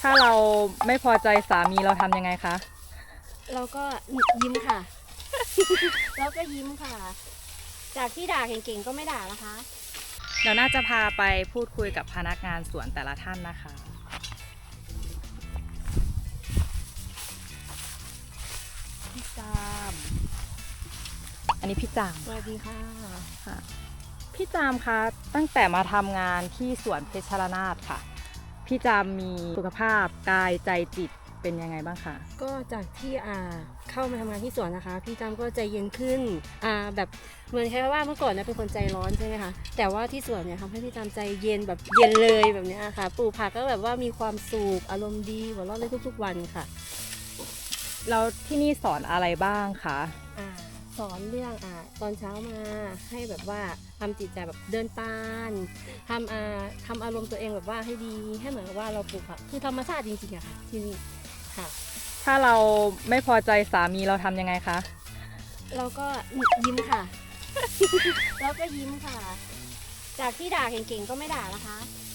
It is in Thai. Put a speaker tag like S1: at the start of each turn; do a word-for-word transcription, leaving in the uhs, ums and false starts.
S1: ถ้าเราไม่พอใจสามีเราทำยังไงคะ
S2: เราก็ยิ้มค่ะ แล้วก็ยิ้มค่ะ จากที่ด่าเก่งๆก็ไม่ด่านะคะ
S1: เดี๋ยวน่าจะพาไปพูดคุยกับพนักงานสวนแต่ละท่านนะคะพี่จามอันนี้พี่จาม
S2: สวัสดีค่ะ
S1: ค่ะพี่จามคะตั้งแต่มาทำงานที่สวนเพชรนาถค่ะพี่จามมีสุขภาพกายใจจิตเป็นยังไงบ้างคะ
S2: ก็จากที่อ่าเข้ามาทำงานที่สวนนะคะ พี่จำก็ใจเย็นขึ้นอ่าแบบเหมือนแค่ว่าเมื่อก่อนนะเป็นคนใจร้อนใช่ไหมคะแต่ว่าที่สวนเนี่ยทำให้พี่จำใจเย็นแบบเย็นเลยแบบเนี้ยค่ะปลูกผักก็แบบว่ามีความสุขอารมณ์ดีหัวเราะเลยทุกๆวันค่ะ
S1: แล้วที่นี่สอนอะไรบ้างคะ
S2: อ่าสอนเรื่องอ่าตอนเช้ามาให้แบบว่าทำจิตใจแบบเดินตานทำอ่าทำอารมณ์ตัวเองแบบว่าให้ดีให้เหมือนกับว่าเราปลูกผักคือธรรมชาติจริงๆอะค่ะที่นี่ค่ะ
S1: ถ้าเราไม่พอใจสามีเราทำยังไงคะ
S2: เราก็ยิ้มค่ะ แล้วก็ยิ้มค่ะ จากที่ด่าเก่งๆก็ไม่ด่านะคะ